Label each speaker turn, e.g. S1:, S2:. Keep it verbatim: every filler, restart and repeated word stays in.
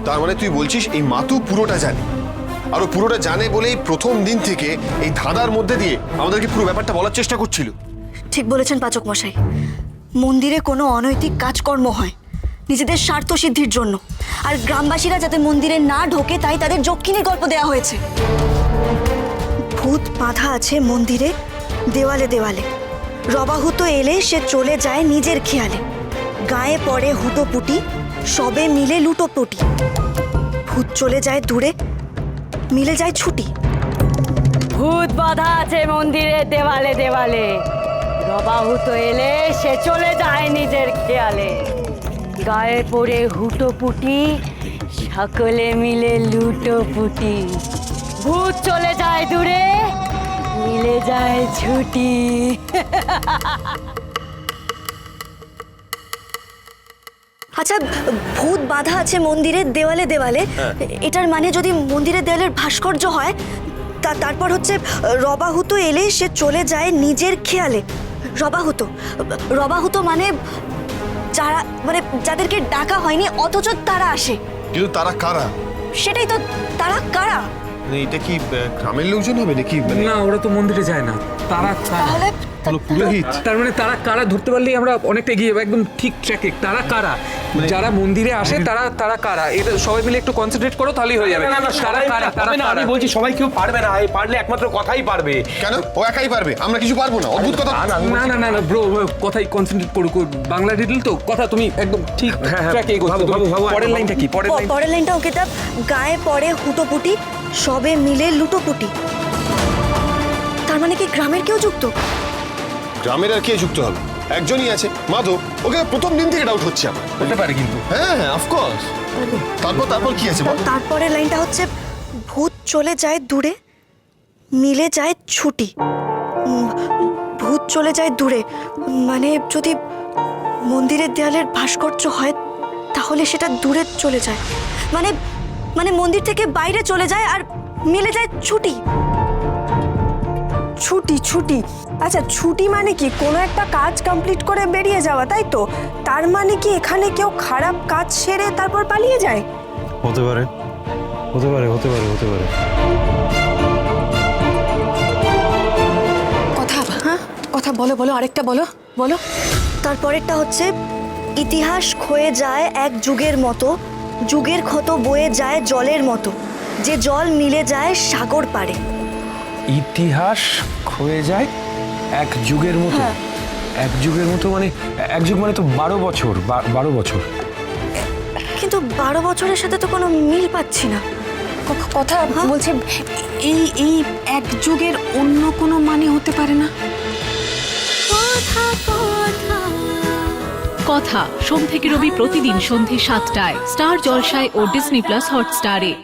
S1: তার মানে তুই বলছিস এই মাতু পুরোটা জানে, আর ও পুরোটা জানে বলেই প্রথম দিন থেকে এই ধাঁধার মধ্যে দিয়ে আমাদেরকে পুরো ব্যাপারটা বলার চেষ্টা করছিল।
S2: ঠিক বলেছেন পাচক মশাই, মন্দিরে কোনো অনৈতিক কাজকর্ম হয় নিজেদের স্বার্থ সিদ্ধির জন্য, আর গ্রামবাসীরা যাতে মন্দিরে না ঢোকে তাই তাদের যক্ষিণীর গল্প দেওয়া হয়েছে। ভূত বাঁধা আছে মন্দিরে দেওয়ালে দেওয়ালে, রবাহুত এলে সে চলে যায় নিজের খেয়ালে, গায়ে পড়ে হুটোপুটি সবে মিলে লুটোপুটি, ভূত চলে যায় দূরে মিলে যায় ছুটি।
S3: ভূত বাঁধা আছে মন্দিরে দেওয়ালে দেওয়ালে, রবাহুত এলে সে চলে যায় নিজের খেয়ালে, গায়ে পড়ে হুটোপুটি সকলে মিলে লুটোপুটি, ভূত চলে যায় দূরে মিলে যায় ছুটি।
S2: আচ্ছা, ভূত বাঁধা আছে মন্দিরের দেওয়ালে দেওয়ালে, এটার মানে যদি মন্দিরের দেওয়ালের ভাস্কর্য হয়, তা তারপর হচ্ছে রবাহুত এলে সে চলে যায় নিজের খেয়ালে। রবাহুত রবাহুত মানে যারা, মানে যাদেরকে ডাকা হয়নি অথচ তারা আসে।
S1: কিন্তু তারা কারা?
S2: সেটাই তো, তারা কারা?
S1: মানে এটা কি আহ, গ্রামের লোকজন হবে নাকি? মানে
S4: না, ওরা তো মন্দিরে যায় না। তারা কারা?
S2: তাহলে
S1: হলো পুরোহিত।
S4: তার মানে তারা কারা ধরতে পারলেই আমরা অনেকটা এগিয়ে যাবো, একদম ঠিক ট্র্যাকে। তারা কারা? যারা মন্দিরে আসে তারা তারা কারা? এটা সবাই মিলে একটু কনসেন্ট্রেট করো, তাহলেই হয়ে যাবে।
S5: না, না, না,
S4: তারা
S5: সবাই
S4: কারা? তারা
S5: পারবে না,
S4: কারা?
S5: আমি বলছি সবাই কেউ পারবে না, এই পারলে একমাত্র কথাই পারবে।
S1: কেন ও একাই পারবে, আমরা কিছু পারবো না? অদ্ভুত কথা।
S5: না, না, আমি
S4: না
S5: বলছি-
S4: না না না ব্রো, কথাই কনসেন্ট্রেট করো। বাংলা ডিটেল তো কথা, তুমি একদম ঠিক
S5: হ্যাঁ, হ্যাঁ,
S4: ট্র্যাকে এগোচ্ছো।
S5: ভাবো,
S4: তুমি
S5: ভাবো, ভাবো,
S4: পরের
S5: ভাবো।
S4: লাইনটা কি? পরের
S2: প-
S4: লাইন
S2: পরের লাইনটা ওকে, তা গায়ে পড়ে হুটোপুটি সবে মিলে লুটোপুটি, তার মানে কি গ্রামের কেউ যুক্ত?
S1: গ্রামের আর কে যুক্ত হবে? একজনই আছে, মাধব। ওকে প্রথম দিন থেকে ডাউট হচ্ছে আমার।
S4: হতে পারে কিন্তু।
S1: হ্যাঁ হ্যাঁ, অফকোর্স। তারপর তারপর কি আছে বল?
S2: তারপরের লাইনটা হচ্ছে ভূত চলে যায় দূরে মিলে যায় ছুটি। উম, ভূত চলে যায় দূরে মানে যদি মন্দিরের দেয়ালের ভাস্কর্য হয় তাহলে সেটা দূরে চলে যায়, মানে মানে মন্দির থেকে বাইরে চলে যায় আর মিলে যায় ছুটি।
S6: ছুটি ছুটি আচ্ছা, ছুটি মানে কি কোনো একটা কাজ কমপ্লিট করে বেরিয়ে যাওয়া, তাই তো? তার মানে কি এখানে কেউ খারাপ কাজ সেরে তারপর পালিয়ে যায়?
S7: হতে পারে, হতে পারে, হতে পারে, হতে পারে।
S6: কথা, হ্যাঁ কথা বলো বলো, আরেকটা বলো বলো।
S2: তারপরেরটা হচ্ছে ইতিহাস ক্ষয়ে যায় এক যুগের মতো, যুগের ক্ষত বয়ে যায় জলের মতো, যে জল মিলে যায় সাগর পাড়ে।
S5: ইতিহাস ক্ষয়ে যায় এক যুগের মতো। এক যুগের মতো মানে এক যুগ মানে তো বারো বছর। বা- বারো বছর
S2: কিন্তু বারো বছরের সাথে তো কোনো মিল পাচ্ছি না।
S6: ক- কথা বলছে এই এই এক যুগের অন্য কোনো মানে হতে পারে না?
S8: কথা সোম থেকে রবি প্রতিদিন সন্ধে সাতটায় স্টার জলসায় ও ডিজনি প্লাস হটস্টারে।